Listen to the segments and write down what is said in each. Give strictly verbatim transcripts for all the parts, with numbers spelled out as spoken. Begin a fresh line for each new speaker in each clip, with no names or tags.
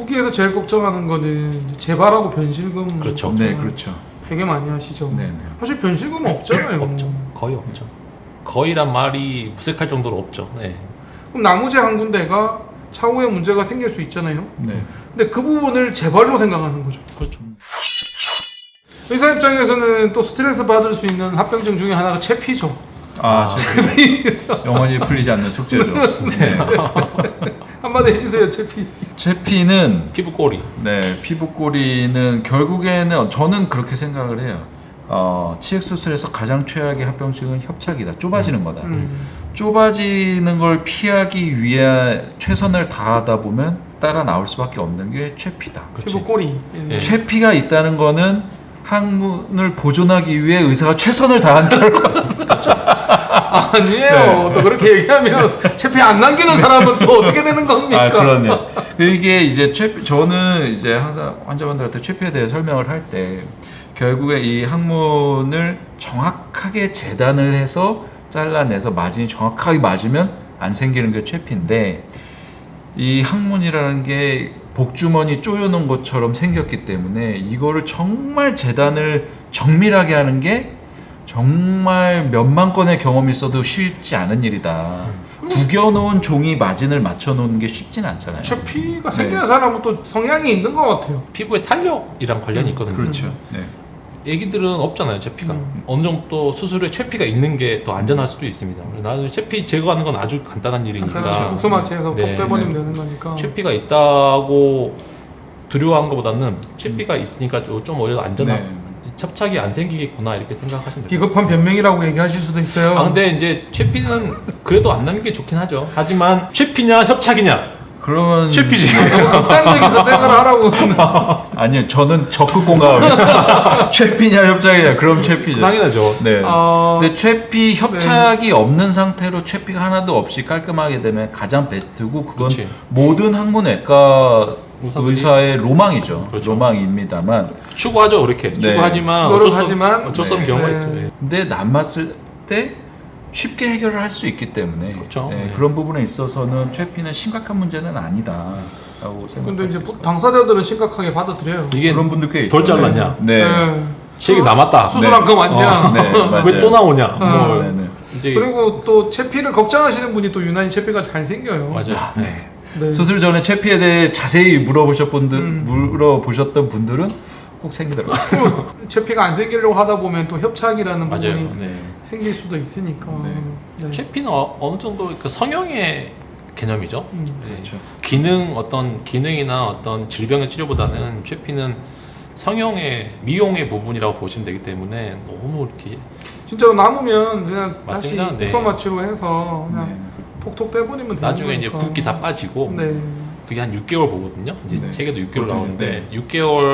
후기에서 제일 걱정하는 거는 재발하고 변실금.
그렇죠.
네, 그렇죠.
되게 많이 하시죠.
네네.
사실 변실금은 없잖아요.
없죠. 거의 없죠. 거의란 말이 무색할 정도로 없죠. 네.
그럼 나무재 한 군데가 차후에 문제가 생길 수 있잖아요.
네.
근데 그 부분을 재발로 생각하는 거죠.
그렇죠.
의사 입장에서는 또 스트레스 받을 수 있는 합병증 중에 하나가 체피죠.
아, 영원히 풀리지 않는 숙제죠. 네.
한마디 해주세요, 체피.
체피는
피부 꼬리.
네, 피부 꼬리는 결국에는 저는 그렇게 생각을 해요. 어, 치액 수술에서 가장 최악의 합병증은 협착이다. 좁아지는 거다.
음.
좁아지는 걸 피하기 위해 최선을 다하다 보면 따라 나올 수밖에 없는 게 체피다.
피부 꼬리.
예.
체피가 있다는 거는 항문을 보존하기 위해 의사가 최선을 다한 결과.
아니에요.
네.
또 그렇게 얘기하면 체피 안 남기는 사람은 또 어떻게 되는 겁니까?
아, 그렇네요. 이게 이제 체피, 저는 이제 항상 환자분들한테 체피에 대해 설명을 할 때 결국에 이 항문을 정확하게 재단을 해서 잘라내서 마진이 정확하게 맞으면 안 생기는 게 체피인데, 이 항문이라는 게 복주머니 쪼여놓은 것처럼 생겼기 때문에 이거를 정말 재단을 정밀하게 하는 게 정말 몇만 건의 경험이 있어도 쉽지 않은 일이다. 구겨놓은 종이 마진을 맞춰놓는 게 쉽진 않잖아요.
체피가 생기는
네.
사람은 또 성향이 있는 것 같아요.
피부에 탄력이랑 관련이 있거든요.
그렇죠. 네.
애기들은 없잖아요, 체피가.
음.
어느 정도 수술에 체피가 있는 게 더 안전할 수도 있습니다. 나는 체피 제거하는 건 아주 간단한 일이니까.
그렇죠. 국소마취해서
네,
톡 빼버리면
네.
되는 거니까.
체피가 있다고 두려워한 것보다는 체피가 있으니까 좀, 좀 오히려 안전한,
네.
협착이 안 생기겠구나 이렇게 생각하시면 돼요.
비겁한 변명이라고 얘기하실 수도 있어요.
아 근데 이제 체피는 그래도 안 남는 게 좋긴 하죠. 하지만 체피냐 협착이냐?
그러면
체피지.
극단적에서 땡을 하라고.
아니요, 저는 적극 공감합니다. 체피냐 협착이냐, 그럼 체피죠.
당연하죠.
네.
어...
근데 체피 협착이 없는 상태로 체피가 하나도 없이 깔끔하게 되면 가장 베스트고, 그건
그렇지.
모든 항문외과
의사들이-
의사의 로망이죠.
그렇죠.
로망입니다만,
추구하죠, 그렇게.
네.
추구하지만 어쩔 수,
노력하지만-
어쩔 수 없는
네.
경우가
네.
있죠. 예.
근데 남았을 때 쉽게 해결을 할 수 있기 때문에
그렇죠.
네,
네.
그런 부분에 있어서는 체피는 심각한 문제는 아니다라고
근데
생각할
이제
수 있을 것 같아요.
당사자들은 심각하게 받아들여요.
이게
그런 분들 꽤 있죠.
덜 잘랐냐?
네.
네.
체액이 남았다.
수술한 거 맞냐?
어.
네, 맞아요.
왜 또 나오냐?
어.
뭐
네, 네.
이제
그리고 또 체피를 걱정하시는 분이 또 유난히 체피가 잘 생겨요.
맞아요.
아, 네.
네.
수술 전에 체피에 대해 자세히 물어보셨 분들,
음.
물어보셨던 분들은 꼭 생기더라고요.
체피가 안 생기려고 하다 보면 또 협착이라는
맞아요.
부분이
네.
생길 수도 있으니까.
네.
네.
체피는 어, 어느 정도 그 성형의 개념이죠.
음.
네.
그렇죠.
기능 어떤 기능이나 어떤 질병의 치료보다는 체피는 성형의 미용의 부분이라고 보시면 되기 때문에 너무 이렇게
진짜로 남으면 그냥
맞습니다.
다시
네.
국소 마취로 해서 그냥
네.
톡톡 떼버리면 되는
나중에 이제
거니까.
붓기 다 빠지고
네.
그게 한 육 개월 보거든요. 이제
네.
책에도 육 개월
보통,
나오는데
네.
육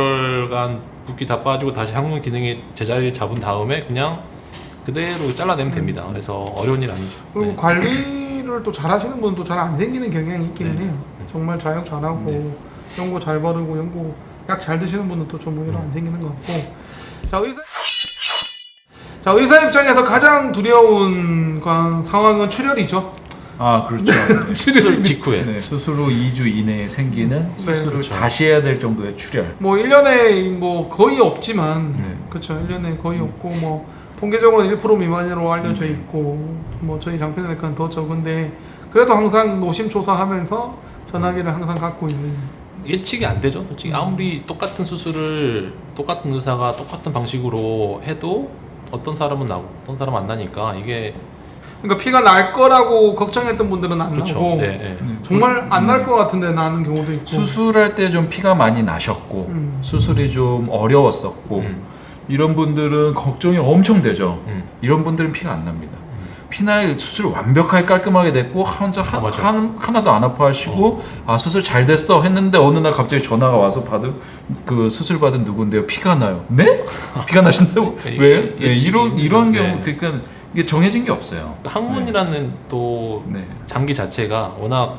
개월간 붓기 다 빠지고 다시 항문 기능이 제자리를 잡은 다음에 그냥 그대로 잘라내면 됩니다. 그래서 어려운 일 아니죠.
그리고
네.
관리를 또 잘하시는 분은 또 잘 안 생기는 경향이 있기는
네.
해요. 정말 자역 잘하고
네.
연고 잘 바르고 연고 약 잘 드시는 분은 또 좀 오히려 안 생기는 것 같고. 자 의사 자 의사 입장에서 가장 두려운 건 상황은 출혈이죠.
아, 그렇죠.
수술 직후에
네, 수술 후 이 주 이내에 생기는 수술을
그렇죠.
다시 해야 될 정도의 출혈.
뭐 일 년에 뭐 거의 없지만
네.
그렇죠. 일 년에 거의 없고 뭐 통계적으로는 일 퍼센트 미만으로 알려져
음.
있고 뭐 저희 장편외과는 더 적은데 그래도 항상 노심초사하면서 전화기를 항상 갖고 있는.
예측이 안 되죠. 솔직히 아무리 똑같은 수술을 똑같은 의사가 똑같은 방식으로 해도 어떤 사람은 나고 어떤 사람은 안 나니까 이게
그러니까 피가 날 거라고 걱정했던 분들은 안
그렇죠.
나고
네, 네.
네.
정말 안 날
네.
것 같은데 나는 경우도 있고.
수술할 때 좀 피가 많이 나셨고
음.
수술이 좀 어려웠었고
음,
이런 분들은 걱정이 엄청 되죠.
음.
이런 분들은 피가 안 납니다. 피날 수술 완벽하게 깔끔하게 됐고 혼자 한,
아, 맞아.
한, 하나도 안 아파하시고 아 수술 잘 됐어 했는데 어느 날 갑자기 전화가 와서 받은 그 수술 받은 누군데요 피가 나요. 네? 피가 나신다고?
예,
왜요?
예,
예, 이런 이런
네.
경우 그러니까 이게 정해진 게 없어요.
항문이라는 또
네.
장기 자체가 워낙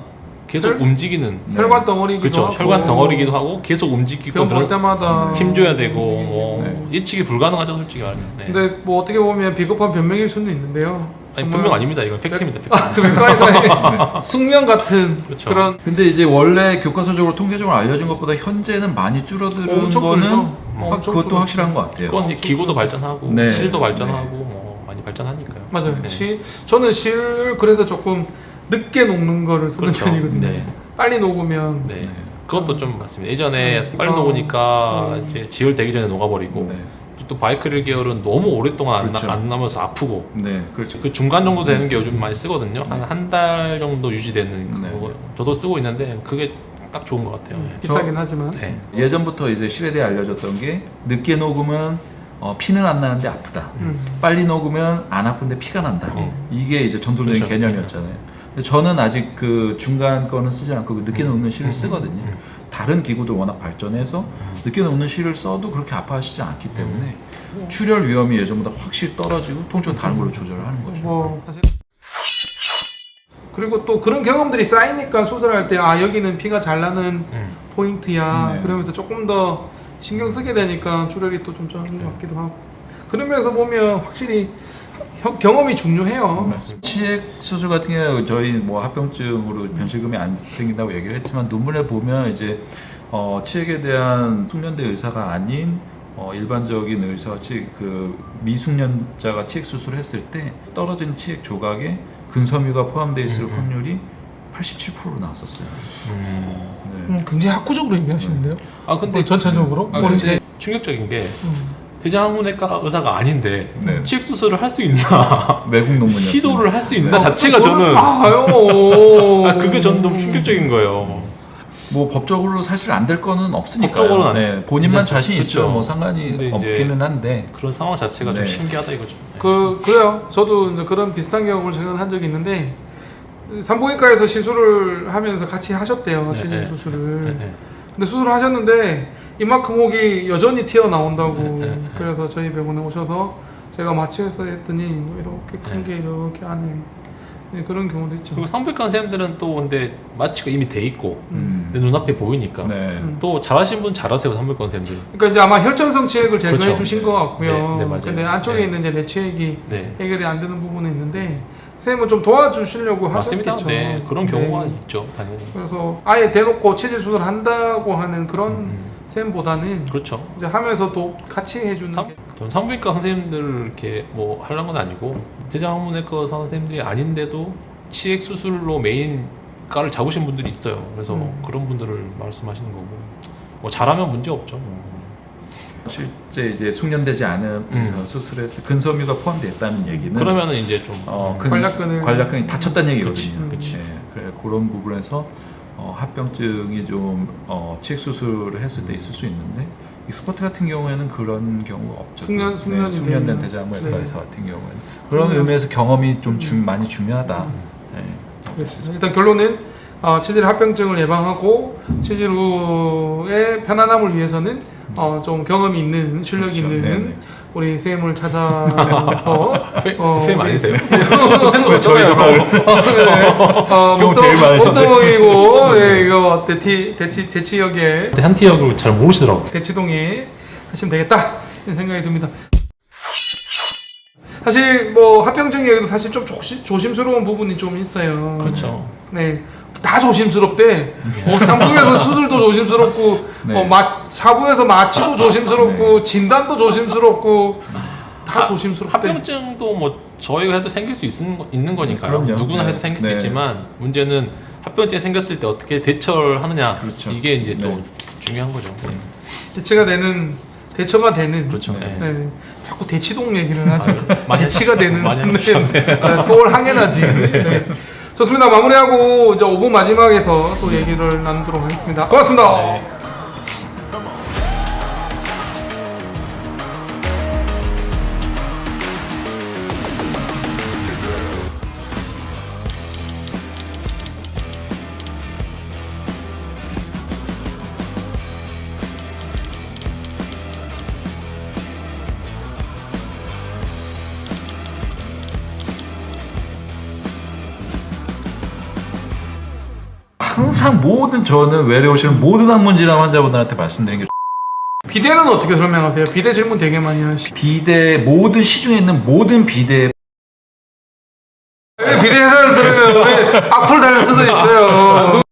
계속
혈-
움직이는
네.
혈관 덩어리기도
그렇죠.
하고
혈관 덩어리기도 하고 계속 움직이고
병 볼
늘어-
때마다
힘줘야 되고 뭐
네.
예측이 불가능하죠 솔직히 말하면. 네.
근데 뭐 어떻게 보면 비겁한 변명일 수는 있는데요.
아니,
정말-
분명 아닙니다. 이건 팩트입니다. 팩트.
아, 그 외과에서의 숙명 같은
그렇죠.
그런
근데 이제 원래 교과서적으로 통계적으로 알려진 것보다 현재는 많이 줄어드는
엄청
거는
줄죠.
확-
엄청
그것도
줄죠.
확실한 것 같아요.
그건 이제 기구도 발전하고
네.
실도 발전하고
네.
뭐 많이 발전하니까요.
맞아요.
네.
실 저는 실 그래서 조금 늦게 녹는 거를 쓰는
그렇죠.
편이거든요.
네.
빨리 녹으면
네.
네.
그것도 좀 맞습니다. 예전에
음.
빨리
어.
녹으니까
음.
이제 지혈 되기 전에 녹아버리고
네.
또 바이크릴 계열은 너무 오랫동안 안,
그렇죠.
나, 안 나면서 아프고
네, 그렇죠.
그 중간 정도 되는 게 요즘 많이 쓰거든요.
네.
한 한 달 정도 유지되는
네.
그거 저도 쓰고 있는데 그게 딱 좋은 것 같아요. 네.
비싸긴 하지만
네.
예전부터 이제 실에 대해 알려졌던 게 늦게 녹으면 어, 피는 안 나는데 아프다.
음.
빨리 녹으면 안 아픈데 피가 난다.
음.
이게 이제 전통적인
그렇죠.
개념이었잖아요. 근데 저는 아직 그 중간 거는 쓰지 않고 그 늦게 녹는 실을
음.
쓰거든요.
음.
다른 기구들 워낙 발전해서 늦게 녹는 실을 써도 그렇게 아파하시지 않기 때문에 출혈 위험이 예전보다 확실히 떨어지고 통증은 다른 걸로 조절을 하는 거죠.
뭐 사실 그리고 또 그런 경험들이 쌓이니까 수술할 때 아 여기는 피가 잘 나는
음.
포인트야
네.
그러면서 조금 더 신경 쓰게 되니까 출혈이 또 좀 적은 것 같기도 하고 그런 면에서 보면 확실히 혀- 경험이 중요해요.
치액 수술 같은 경우 저희 뭐 합병증으로 변실금이 안 생긴다고 얘기를 했지만 논문에 보면 이제 어, 치액에 대한 숙련대 의사가 아닌 어, 일반적인 의사가 치액 그 미숙련자가 치액 수술을 했을 때 떨어진 치액 조각에 근섬유가 포함되어 있을
음, 음.
확률이 팔십칠 퍼센트로 나왔었어요.
음.
네.
음, 굉장히 학구적으로 얘기하시는데요.
아 근데
전체적으로
아,
머리
근데 충격적인 게
음.
대장항문외과 의사가 아닌데
네.
치액 수술을 할 수 있나
외국 논문이었어요.
시도를 할 수 있나
네.
자체가 저는
아요.
아 그게 저는 너무 충격적인 거예요.
뭐 법적으로 사실 안 될 거는 없으니까요.
법적으로는 안-
네, 본인만
괜찮죠.
자신 있으면
그렇죠.
뭐 상관이
근데 이제
없기는 한데
그런 상황 자체가 좀
네.
신기하다 이거죠.
그 그래요. 저도 이제 그런 비슷한 경험을 최근 한 적이 있는데 산부인과에서 시술을 하면서 같이 하셨대요.
네,
체질
네.
수술을.
네, 네.
근데 수술을 하셨는데 이만큼 혹이 여전히 튀어나온다고
네, 네, 네.
그래서 저희 병원에 오셔서 제가 마취해서 했더니 뭐 이렇게 큰 게 이렇게 안에 네, 그런 경우도 있죠.
그리고 산부인과 선생님들은 또 근데 마취가 이미 돼 있고
음.
내 눈앞에 보이니까
네.
음.
또 잘하신 분 잘하세요 산부인과 선생님들.
그러니까 이제 아마 혈전성 치액을 제거해
그렇죠.
주신 것 같고요.
네, 네, 맞아요.
근데 안쪽에
네.
있는 이제 내치액이
네.
해결이 안 되는 부분이 있는데 선생님은 좀 도와주시려고
맞습니다.
하셨겠죠.
네 그런 경우가
네.
있죠 당연히.
그래서 아예 대놓고 체질 수술 한다고 하는 그런
음,
쌤보다는
그렇죠.
이제 하면서도 같이 해주는
산,
게
전 산부인과 선생님들 이렇게 뭐 하려는 건 아니고 대장학문외과 선생님들이 아닌데도 치액 수술로 메인 과를 잡으신 분들이 있어요. 그래서
음.
그런 분들을 말씀하시는 거고 뭐 잘하면 문제 없죠. 뭐.
실제 이제 숙련되지 않은
음.
의사 수술했을 때 근섬유가 포함되어 있다는 얘기는
그러면은 이제 좀
어,
음,
근,
관략근을-
관략근이 다쳤다는
그치,
얘기거든요.
그치.
네, 그래, 그런 부분에서 어, 합병증이 좀 어, 치액 수술을 했을 때 있을 수 있는데 익스퍼트 같은 경우에는 그런 경우가 없죠.
숙련-
네,
숙련이
숙련된
되면.
대장외과
네.
의사 같은 경우에는 그런
음.
의미에서 경험이 좀 주, 많이 중요하다.
음.
네.
그렇습니다. 일단 결론은 어, 체질 합병증을 예방하고 체질 후의 편안함을 위해서는 어, 좀 경험이 있는 실력
그렇죠.
있는
네네.
우리 쌤을 찾아서 어,
쌤 아니세요?
왜 저희가 말을
어,
경험 제일 많으셨네.
목동이고 예, 이거 대치 대치 대치역에
한티역을 잘 모르시더라고요.
대치동에 하시면 되겠다 이런 생각이 듭니다. 사실 뭐 합병증 얘기도 사실 좀 조심, 조심스러운 부분이 좀 있어요.
그렇죠.
네. 다 조심스럽대. 뭐 산부에서 수술도 조심스럽고,
네.
뭐 마, 사부에서 마취도 조심스럽고, 진단도 조심스럽고, 다
하-
조심스럽대.
합병증도 뭐 저희가 해도 생길 수 있는, 거, 있는 거니까요.
그럼요.
누구나
네.
해도 생길 수
네.
있지만 문제는 합병증이 생겼을 때 어떻게 대처를 하느냐.
그렇죠.
이게 이제 또
네.
중요한 거죠.
대치가 되는, 대처가 되는.
그렇죠.
네.
네.
네. 자꾸 대치동 얘기를 하죠.
아, 많이
대치가 되는.
많이
네.
하셨네.
네, 서울 항해나지. 네. 좋습니다. 마무리하고 이제 오 분 마지막에서 또 얘기를 나누도록 하겠습니다. 고맙습니다.
네.
항상 모든 저는 외래 오시는 모든 항문 질환 환자분들한테 말씀드린 게
비대는 어떻게 설명하세요? 비대 질문 되게 많이 하시.
비대 모든 시중에 있는 모든 비대
비대 회사에서 들으면 우리 악플 달릴 수도 있어요.